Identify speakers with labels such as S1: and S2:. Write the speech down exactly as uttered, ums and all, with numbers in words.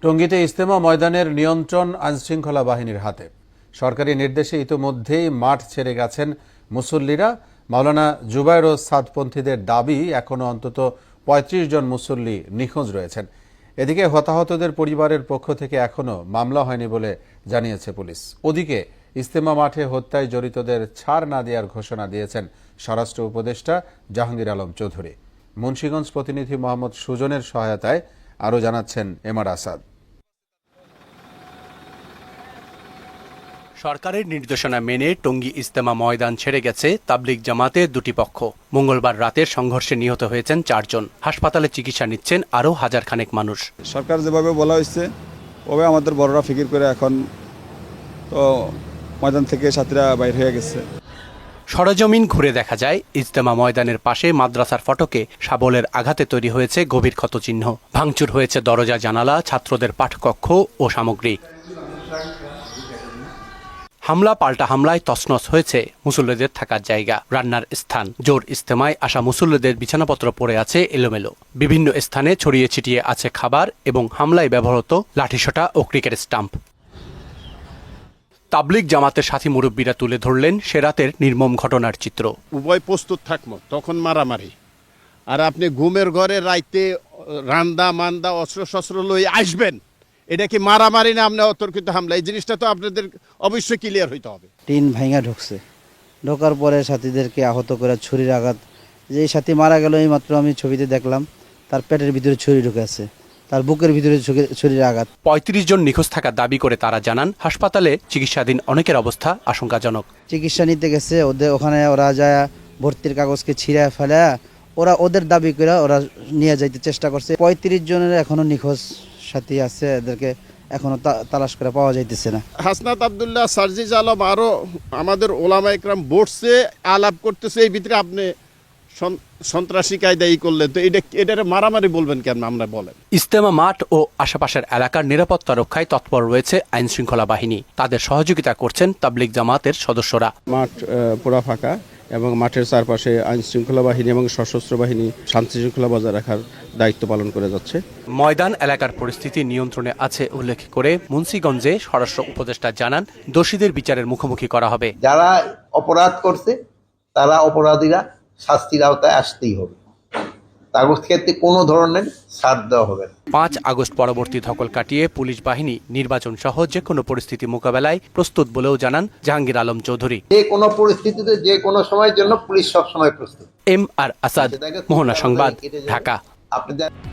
S1: টঙ্গীতে ইজতেমা ময়দানের নিয়ন্ত্রণ আইনশৃঙ্খলা বাহিনীর হাতে। সরকারি নির্দেশে ইতোমধ্যেই মাঠ ছেড়ে গেছেন মুসল্লিরা। মাওলানা জুবায়ের ও সাদপন্থীদের দাবি, এখনো অন্তত পঁয়ত্রিশ জন মুসল্লি নিখোঁজ রয়েছেন। এদিকে হতাহতদের পরিবারের পক্ষ থেকে এখনো মামলা হয়নি বলে জানিয়েছে পুলিশ। ওদিকে ইজতেমা মাঠে হত্যায় জড়িতদের ছাড় না দেওয়ার ঘোষণা দিয়েছেন স্বরাষ্ট্র উপদেষ্টা জাহাঙ্গীর আলম চৌধুরী। মুন্সিগঞ্জ প্রতিনিধি মোহাম্মদ সুজনের সহায়তায় আরও জানাচ্ছেন এমআর আসাদ।
S2: সরকারের নির্দেশনা মেনে টঙ্গী ইজতেমা ময়দান ছেড়ে গেছে তাবলিগ জামাতের দুটি পক্ষ। মঙ্গলবার রাতের সংঘর্ষে নিহত হয়েছেন চারজন। হাসপাতালে চিকিৎসা নিচ্ছেন আরও হাজার খানেক মানুষ।
S3: সরকার যেভাবে বলা হয়েছে ওভাবে আমাদের বড়রা ফিকির করে এখন তো ময়দান থেকে সাথীরা বাইর হয়ে গেছে।
S2: সরজমিন ঘুরে দেখা যায় ইজতেমা ময়দানের পাশে মাদ্রাসার ফটকে শাবলের আঘাতে তৈরি হয়েছে গভীর ক্ষতচিহ্ন। ভাঙচুর হয়েছে দরজা, জানালা, ছাত্রদের পাঠকক্ষ ও সামগ্রী। হামলা পাল্টা হামলায় তছনছ হয়েছে মুসল্লিদের থাকার জায়গা, রান্নার স্থান। জোর ইজতেমায় আসা মুসল্লিদের বিছানাপত্র পড়ে আছে এলোমেলো। বিভিন্ন স্থানে ছড়িয়ে ছিটিয়ে আছে খাবার এবং হামলায় ব্যবহৃত লাঠিসোঁটা ও ক্রিকেট স্টাম্প। তাবলিগ জামাতের সাথী মুরব্বীরা তুলে ধরলেন সে রাতের নির্মম ঘটনার চিত্র।
S4: উভয় প্রস্তুত থাকবো, তখন মারামারি। আর আপনি ঘুমের ঘরে রাইতে রান্দা মান্দা অস্ত্র শস্ত্র লই আসবেন, এটা কি মারামারি না আপনি অতর্কিত হামলা? এই জিনিসটা তো আপনাদের অবশ্যই ক্লিয়ার হইতে হবে।
S5: টিন ভাঙা ঢুকছে, ঢোকার পরে সাথীদেরকে আহত করে ছুরির আঘাত। যে সাথী মারা গেল এই মাত্র আমি ছবিতে দেখলাম, তার পেটের ভিতরে ছুরি ঢুকে আছে, তার বুকের ভিতরে ছুরির আঘাত।
S2: পঁয়ত্রিশ জন নিখোঁজ থাকার দাবি করে তারা জানান, হাসপাতালে চিকিৎসাধীন অনেকের অবস্থা আশঙ্কাজনক।
S5: চিকিৎসা নিতে গেছে, ওদের ওখানে ওরা যায় ভর্তির কাগজকে ছিঁড়ে ফেলে ওরা ওদের দাবি করে ওরা নিয়ে যাইতে চেষ্টা করছে। পঁয়ত্রিশ জনের এখনো নিখোঁজ সাথী আছে, এদেরকে এখনো তালাশ করে পাওয়া যাইতেছে না।
S4: হাসনাত আব্দুল্লাহ, সার্জিজ আলম আরো আমাদের ওলামা একরাম বসছে, আলাপ করতেছে। এই ভিতরে আপনি সন্ত্রাসী কায়দাই করলেন, তো এটা এটা মারামারি বলবেন কেন? আমরা বলেন,
S2: ইজতেমা মাঠ ও আশেপাশের এলাকার নিরাপত্তা রক্ষায় তৎপর রয়েছে আইন শৃঙ্খলা বাহিনী। তাদের সহযোগিতা করছেন তাবলিগ জামাতের সদস্যরা।
S6: মাঠ পুরা ফাঁকা এবং মাঠের চারপাশে আইন শৃঙ্খলা বাহিনী এবং সশস্ত্র বাহিনী শান্তি শৃঙ্খলা বজায় রাখার দায়িত্ব পালন করে যাচ্ছে।
S2: ময়দান এলাকার পরিস্থিতি নিয়ন্ত্রণে আছে উল্লেখ করে মুন্সিগঞ্জে স্বরাষ্ট্র উপদেষ্টা জানান, দোষীদের বিচারের মুখোমুখি করা হবে।
S7: যারা অপরাধ করছে তারা অপরাধীরা শাস্তির আওতায় আসতেই হবে, তার ক্ষেত্রে কোনো ধরনের ছাড় দেওয়া হবে না।
S2: পাঁচ আগস্ট পরবর্তী ধকল কাটিয়ে পুলিশ বাহিনী নির্বাচন সহ যে কোনো পরিস্থিতি মোকাবেলায় প্রস্তুত বলেও জানান জাহাঙ্গীর আলম চৌধুরী।
S7: যে কোনো পরিস্থিতিতে যে কোনো সময়ের জন্য পুলিশ সবসময় প্রস্তুত।
S2: এম আর আসাদ, মোহনা সংবাদ, ঢাকা।
S7: আপনি